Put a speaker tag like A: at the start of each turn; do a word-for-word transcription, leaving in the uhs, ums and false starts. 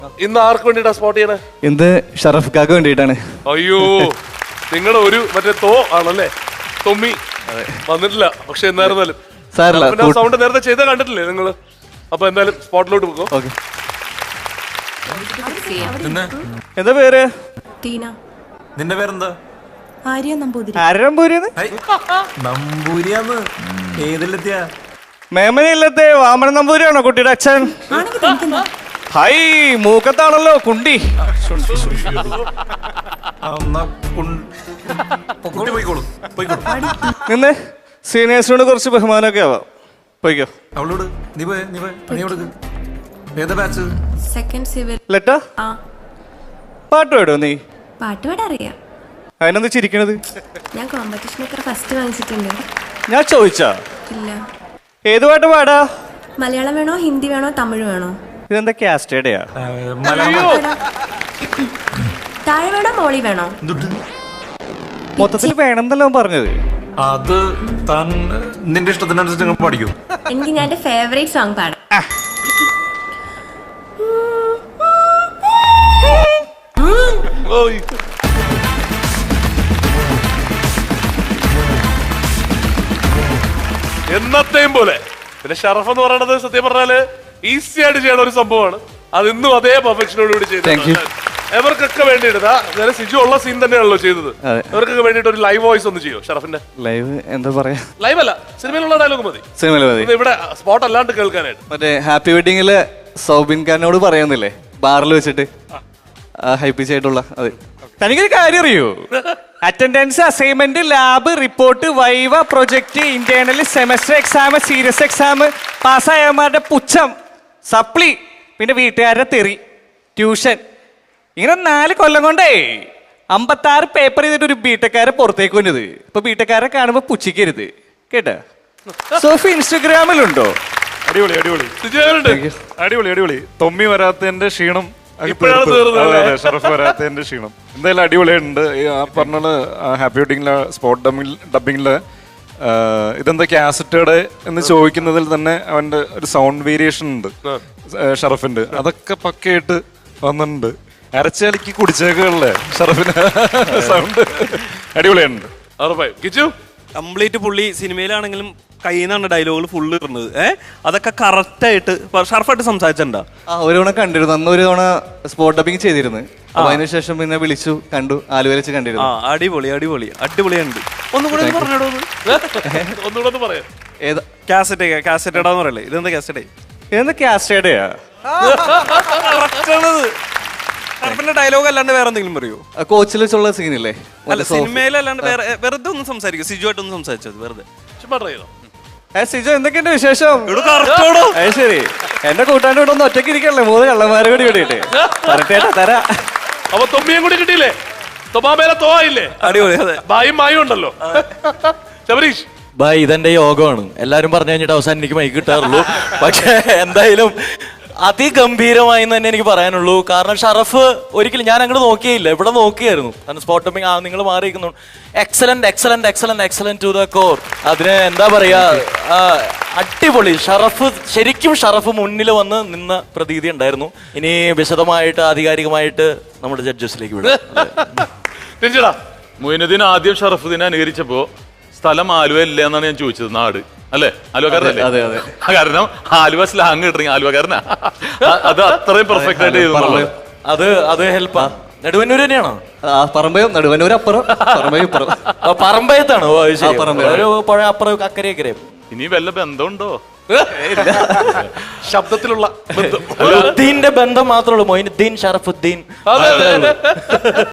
A: ഇന്ന് ആർക്ക് വേണ്ടിട്ടാ സ്പോട്ട് ചെയ്യണേ?
B: ഇന്ന് ഷറഫ്ക്കാക്ക് വേണ്ടിയിട്ടാണ്.
A: അയ്യോ, നിങ്ങളുടെ ഒരു മറ്റേ തോ ആണല്ലേ, തൊമ്മി വന്നിട്ടില്ല. പക്ഷെ എന്നായിരുന്നാലും സൗണ്ട് നേരത്തെ ചെയ്ത കണ്ടിട്ടില്ലേ നിങ്ങള്? അപ്പൊ എന്തായാലും സ്പോട്ടിലോട്ട് പോകോ.
B: എന്താ പേര്?
C: ടീന.
D: നിന്റെ പേരെന്താ?
C: ആര്യ നമ്പൂതിരി.
B: ആര്യ നമ്പൂരിന്ന്?
D: നമ്പൂരിയാന്ന് ഏതിലെത്തിയ?
B: മേമനയില്ലത്തെ വാമന നമ്പൂരിയാണോ കുട്ടിയുടെ അച്ഛൻ? ഹൈ, മൂക്കത്താണല്ലോ കുണ്ടി. നിന്ന് സീനിയേഴ്സിനോട് കുറച്ച് ബഹുമാനമൊക്കെ ആവാം. പോയിക്കോ.
D: അവളോട് നീ പോയ നീ പോയ പണി കൊടുക്ക്. ഏതാ ബാച്ച്?
C: Second civil.
B: ലെറ്റാ
C: ആ,
B: പാട്ട് പാടോ നീ?
C: പാട്ട് പാടാൻ അറിയാം.
B: അതിനെന്ത് ചിരിക്കണത്?
C: ഞാൻ കോമ്പറ്റീഷനൊക്കെ ഫസ്റ്റ് വാങ്ങിച്ചിട്ടുണ്ട്.
B: ഞാൻ ചോദിച്ചാ?
C: ഇല്ല.
B: ഏത് പാട്ട് പാടാ?
C: മലയാളം വേണോ, ഹിന്ദി വേണോ, തമിഴ് വേണോ?
B: ഇതെന്താ കാസ്റ്റേഡയാ?
C: താഴെ വേണോ, മോളി വേണോ?
B: മൊത്തത്തിൽ വേണമെന്നല്ലോ പറഞ്ഞത്.
D: അത് താൻ നിന്റെ ഇഷ്ടത്തിനനുസരിച്ച് പഠിക്കും.
C: എനിക്ക് ഞാൻ എന്റെ ഫേവറേറ്റ് സോങ് പാടാം.
A: എന്നത്തെയും പോലെ. പിന്നെ ഷറഫ് എന്ന് പറയുന്നത് സത്യം പറഞ്ഞാല് ഈസി ആയിട്ട് ചെയ്യണ ഒരു സംഭവമാണ്. അത് ഇന്നും അതേ പെർഫെക്ഷനോട് കൂടി ചെയ്തു. എവർക്കൊക്കെ വേണ്ടിയിട്ട് സിജു ഉള്ള സീൻ തന്നെയാണല്ലോ ചെയ്തത്. എവർക്കൊക്കെ വേണ്ടിട്ട് ഒരു ലൈവ് വോയിസ് ഒന്ന് ചെയ്യോ ഷറഫിന്റെ?
B: ലൈവ് എന്താ പറയാ?
A: ലൈവ് അല്ല, സിനിമയിലുള്ള ഡയലോഗ് മതി.
B: സിനിമയിൽ മതി.
A: ഇവിടെ സ്പോട്ട് അല്ലാണ്ട് കേൾക്കാനായിട്ട്.
B: മറ്റേ ഹാപ്പി വെഡിങ്ങില് സൗബിൻ ഖാനോട് പറയുന്നില്ലേ, ബാറിൽ വെച്ചിട്ട് ഹൈപ്പിച്ച് ആയിട്ടുള്ള അത്. തനിക്കൊരു കാര്യം അറിയോ? Attendance, assignment, lab, report, viva, project, internal, semester exam, serious exam, പാസ്സായവന്മാരുടെ പുച്ഛം, സപ്ലി, പിന്നെ വീട്ടുകാരുടെ തെറി, ട്യൂഷൻ, ഇങ്ങനെ നാല് കൊല്ലം കൊണ്ടേ അമ്പത്താറ് പേപ്പർ ചെയ്തിട്ട് ഒരു ബിടെക്കാരെ പുറത്തേക്ക് വന്നത്. ഇപ്പൊ ബിടെക്കാരെ കാണുമ്പോ പുച്ഛിക്കരുത് കേട്ടാ. സോഫി ഇൻസ്റ്റഗ്രാമിലുണ്ടോ?
E: അടിപൊളി അടിപൊളി അടിപൊളി അടിപൊളി. തൊമ്മി വരാത്തതിന്റെ ക്ഷീണം, ഷറഫ് വരാത്തതിന്റെ ക്ഷീണം എന്തായാലും അടിപൊളിയുണ്ട്. ആ പറഞ്ഞ ഹാപ്പി വെഡിങ്ങിലെ സ്പോട്ട് ഡബിംഗ് ഡബിങ്ങില് ഇതെന്താ കാസറ്റേഡ് എന്ന് ചോദിക്കുന്നതിൽ തന്നെ അവന്റെ ഒരു സൗണ്ട് വേരിയേഷൻ ഉണ്ട് ഷറഫിന്റെ. അതൊക്കെ പക്കയായിട്ട് വന്നിട്ടുണ്ട്. അരച്ചലിക്ക് കുടിച്ചേക്കല്ലേ ഷറഫിന് സൗണ്ട് അടിപൊളിയുണ്ട്.
F: കംപ്ലീറ്റ് പുള്ളി സിനിമയിലാണെങ്കിലും കയ്യിൽ നിന്നാണ് ഡയലോഗുകൾ ഫുള്ള് ഇടുന്നത്. ഏഹ് അതൊക്കെ കറക്റ്റ് ആയിട്ട് ഷർഫായിട്ട് സംസാരിച്ചിട്ടുണ്ടോ?
B: ആ, ഒരു തവണ കണ്ടിരുന്നു. അന്ന് ഒരു തവണ സ്പോട്ട് ഡബിങ് ചെയ്തിരുന്നു. അതിനുശേഷം പിന്നെ വിളിച്ചു, കണ്ടു, ആലുവ വെച്ച് കണ്ടിരുന്നു.
F: ആ, അടിപൊളി അടിപൊളി അടിപൊളിയുണ്ട്. ഒന്നുകൂടെ പറഞ്ഞോടോ,
A: ഒന്നുകൂടെ പറയാം.
B: ഏതാ
F: കാസറ്റ്? കാസറ്റേടാന്ന് പറയല്ലേ? ഇതെന്താ കാസറ്റേ?
B: ഇതെന്താ കാസ്റ്റേഡയാ?
F: ഷർഫിന്റെ ഡയലോഗ് അല്ലാണ്ട് വേറെ എന്തെങ്കിലും പറയോ?
B: കോച്ചിൽ വെച്ചുള്ള സീനില്ലേ?
F: അല്ല, സിനിമയിലല്ലാണ്ട് വേറെ വെറുതെ ഒന്ന് സംസാരിക്കും. സിജു ആയിട്ടൊന്ന് സംസാരിച്ചത് വെറുതെ.
B: സിജു, എന്തൊക്കെയുണ്ട് വിശേഷം?
F: കറക്റ്റോടോ.
B: ശരി, എന്റെ കൂട്ടാൻ്റെ ഇവിടെ ഒന്ന് ഒറ്റയ്ക്ക് ഇരിക്കല്ലേ, മൂന്ന് കള്ളന്മാരെ കൂടി കിട്ടിയിട്ട് പറട്ടേട്ടാ തരാ.
A: അപ്പൊ തൊമ്മിയും കൂടി കിട്ടിയില്ലേ? തൊമാമേലെ തോയില്ലേ?
F: അടിപൊളി. അതെ,
A: ബായും മായും ഉണ്ടല്ലോ. ശബരീഷ്
G: ബൈ, ഇതെന്റെ യോഗമാണ്. എല്ലാരും പറഞ്ഞു കഴിഞ്ഞിട്ട് അവസാനം എനിക്ക് മൈക്ക് കിട്ടാറുള്ളൂ. പക്ഷെ എന്തായാലും അതിഗംഭീരമായി തന്നെ എനിക്ക് പറയാനുള്ളൂ. കാരണം ഷറഫ് ഒരിക്കലും ഞാൻ അങ്ങോട്ട് നോക്കിയില്ല, ഇവിടെ നോക്കിയായിരുന്നു. കാരണം സ്പോട്ട് ടോപ്പിംഗ് ആ നിങ്ങൾ മാറിയിരിക്കുന്നു. Excellent excellent excellent excellent to the core. അതിന് എന്താ പറയാ, അടിപൊളി. ഷറഫ് ശരിക്കും ഷറഫ് മുന്നിൽ വന്ന് നിന്ന പ്രതീതി ഉണ്ടായിരുന്നു. ഇനി വിശദമായിട്ട് ആധികാരികമായിട്ട് നമ്മുടെ ജഡ്ജസിലേക്ക് വിടാം.
E: മൊയിനുദ്ദീൻ ആദ്യം ഷറഫുദ്ദീനെ അനുകരിച്ചപ്പോ സ്ഥലം ആലുവ ഇല്ല എന്നാണ് ഞാൻ ചോദിച്ചത്. നാട് അല്ലേ? ആലുവക്കാരനല്ലേ?
B: അതെ അതെ.
E: കാരണം ആലുവ സ്ലാങ് കിട്ടണമെങ്കിൽ ആലുവക്കാരനാ. അത് അത്രയും പെർഫെക്റ്റ് ആയിട്ട് ചെയ്തു.
G: അത് അത് ഹെൽപ്പാ. നെടുവന്നൂർ തന്നെയാണോ?
B: പറമ്പയോ? നടുവന്നൂർ അപ്പുറം, പറമ്പയോ ഇപ്പുറം.
G: പറമ്പയത്താണോ? ഒരു പുഴ അപ്പുറം അക്കരെ അക്കരെ.
E: ഇനി വല്ല ബന്ധമുണ്ടോ?
A: ശബ്ദത്തിലുള്ള ബന്ധം,
G: ബന്ധം മാത്രമേ ഉള്ളൂ. മൊയിനുദ്ദീൻ, ഷറഫുദ്ദീൻ.